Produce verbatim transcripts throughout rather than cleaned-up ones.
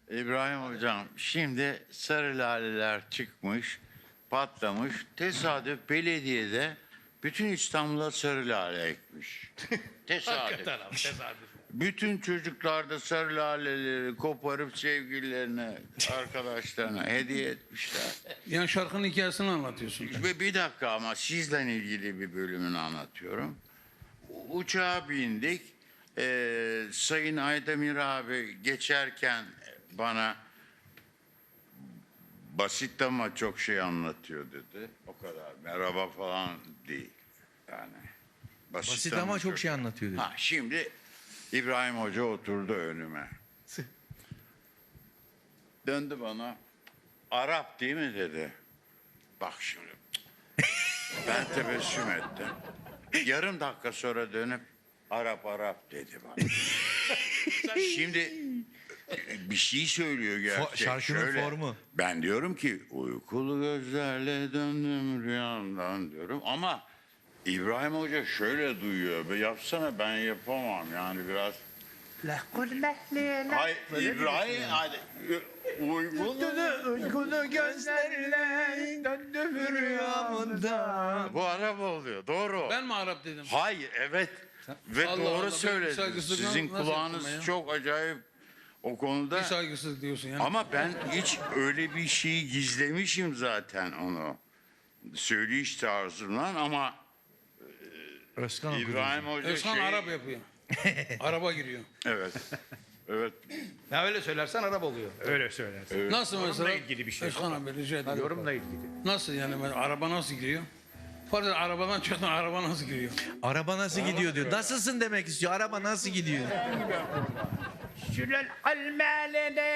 İbrahim Hocam, şimdi sarı laleler çıkmış, patlamış. Tesadüf belediyede bütün İstanbul'a sarı lale ekmiş. Tesadüf. Hakikaten abi tesadüf. Bütün çocuklar da sarı laleleri koparıp sevgililerine, arkadaşlarına hediye etmişler. Yani şarkının hikayesini anlatıyorsun. Ve bir dakika ama sizle ilgili bir bölümünü anlatıyorum. Uçağa bindik. Ee, Sayın Aydemir abi geçerken bana basit ama çok şey anlatıyor dedi. O kadar. Merhaba falan değil. Yani basit, Basit ama çok şey anlatıyor dedi. Ha, şimdi İbrahim Hoca oturdu önüme. Döndü bana. Arap değil mi dedi. Bak şimdi. Ben tebessüm ettim. Yarım dakika sonra dönüp Arap Arap dedi bana. Şimdi bir şey söylüyor gerçek. şarkının Şöyle, formu. Ben diyorum ki uykulu gözlerle döndüm rüyamdan diyorum ama İbrahim Hoca şöyle duyuyor. Be yapsana ben yapamam yani biraz. Hayır İbrahim hadi uykulu. Uykulu gözlerle döndüm rüyamda. Bu Arap oluyor doğru. Ben mi Arap dedim? Hayır evet ve Allah doğru Allah, benim söyledin. saygısızlığım Sizin nasıl kulağınız yaptım ya? çok acayip o konuda. Bir saygısızlık diyorsun yani. Ama ben hiç öyle bir şeyi gizlemişim zaten onu. Söyleyiş tarzımdan ama Özkan okudu. İbrahim Hoca Özkan şey... Arap yapıyor. Araba giriyor. Evet. Evet. Ya öyle söylersen Arap oluyor. Öyle söylersen. Nasıl mesela? ilgili bir şey. Özkan abi rica ediyorum. Yorumla ilgili. Nasıl yani ben, araba nasıl giriyor? Pardon arabadan çıkan araba nasıl giriyor? Araba nasıl gidiyor diyor. Nasılsın demek istiyor. Araba nasıl gidiyor? Şülel almelene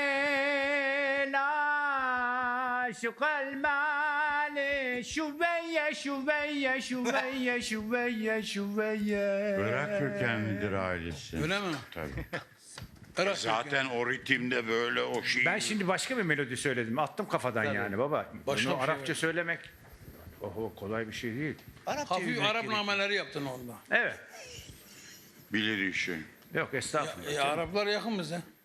la şukal mali şuveyye şuveyye şuveyye şuveyye şuveyye. Irak kökenlidir ailesi. Öyle mi? Tabii. Irak Zaten o ritimde böyle o şey. Ben şimdi başka bir melodi söyledim. Attım kafadan yani baba. Başka Bunu bir şey Arapça var. söylemek oho kolay bir şey değil. Hafif Arap nameleri yaptın orada. Evet. Bilir işi. Yok estağfurullah. E, Araplar yakın bize.